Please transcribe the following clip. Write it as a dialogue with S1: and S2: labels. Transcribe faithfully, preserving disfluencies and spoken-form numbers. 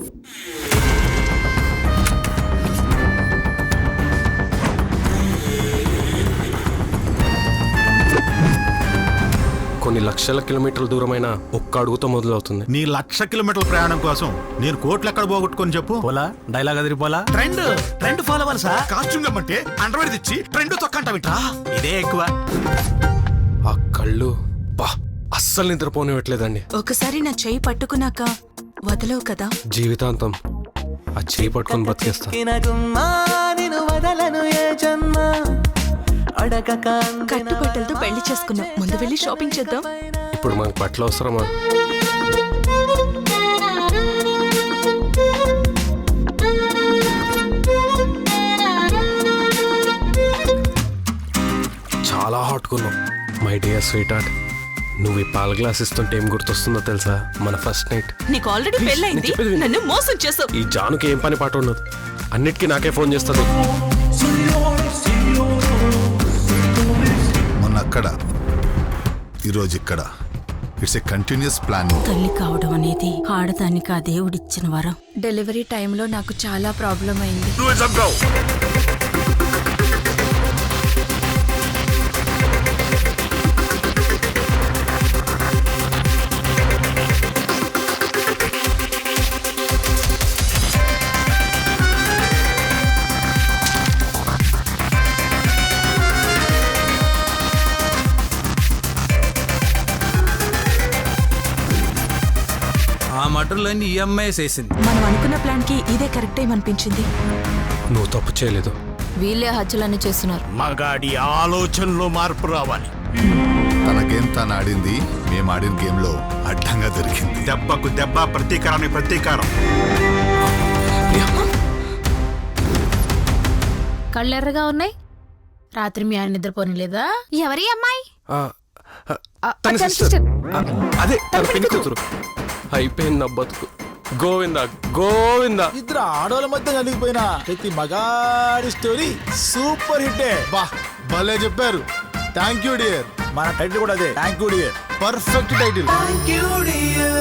S1: కొన్ని లక్షల కిలోమీటర్ల దూరమైన ఒక్క అడుగుతో మొదలవుతుంది.
S2: నీ లక్ష కిలోమీటర్ల ప్రయాణం కోసం నేను కోట్లు ఎక్కడ పోగొట్టుకొని చెప్పు.
S3: పోలా డైలాగ్ అదిరిపోలా.
S2: ట్రెండ్ ట్రెండ్ ఫాలో అవ్వాలి సార్. కాస్ట్యూమ్ అంటే అండర్వేర్ తెచ్చి ట్రెండ్ తొక్కంటావిట్రా. ఇదే ఎక్కువ.
S1: ఆ కళ్ళు బా అస్సలు నిద్రపోనివ్వట్లేదండి.
S4: ఒకసారి నా చెయ్యి పట్టుకున్నాక వదలవు కదా.
S1: జీవితాంతం ఆ చెయ్యి పట్టుకొని బతికేస్తా.
S4: కట్టుబట్టలతో పెళ్లి చేసుకున్నాం, ముందు వెళ్ళి షాపింగ్ చేద్దాం.
S1: ఇప్పుడు మనకు బట్టలు అవసరమా? చాలా హాట్గా ఉన్నాం మై డియర్ స్వీట్ హార్ట్. నువ్వు ఈ పాల గ్లాస్ ఇస్తుంటే ఏం గుర్తొస్తుందో తెలుసా? మన ఫస్ట్ నైట్.
S4: నీకు ఆల్రెడీ పెళ్ళైంది, నన్ను మోసం చేసావు.
S1: ఈ జానుకి ఏం పని పాట ఉండదు, అన్నిటికీ నాకే ఫోన్ చేస్తుంది.
S5: మొన్న అక్కడ, ఈరోజు ఇక్కడ. It's a continuous plan.
S6: తల్లి కావడం అనేది ఆడదానికి ఆ దేవుడిచ్చిన వరం.
S4: డెలివరీ టైంలో నాకు చాలా ప్రాబ్లం అయింది.
S3: ఆ మటర్లన్నీ ఈఎంఐ వేసింది.
S4: మనం అనుకున్న ప్లాన్ కి ఇదే కరెక్ట్ టైం అనిపించింది.
S1: నువ్వు తప్పు చేయలేదు.
S6: వీళ్ళే హత్యలన్నీ చేస్తున్నారు.
S2: మగాడి ఆలోచనలో మార్పు రావాలి.
S5: తన గేమ్ తను ఆడింది, మేము ఆడిన గేమ్ లో అడ్డంగా దొరికింది.
S2: దెబ్బకు దెబ్బ, ప్రతీకారానికి ప్రతీకారం.
S6: కళ్ళెర్రగా ఉన్నాయి. రాత్రి మీ ఆయన నిద్రపోని లేదా? ఎవరి అమ్మాయి?
S1: ఆ, ఆ, తన sister. ఆ, అదే తన పిన్ని కూతురు. అయిపోయింది నా బతుకు. గోవిందా గోవిందా.
S7: ఇద్దరు ఆడోళ్ళ మధ్య కలిగిపోయిన ప్రతి మగాడి స్టోరీ సూపర్ హిట్. బా భలే చెప్పారు. Thank you dear. మన టైటిల్ కూడా అదే, thank you dear. Perfect title.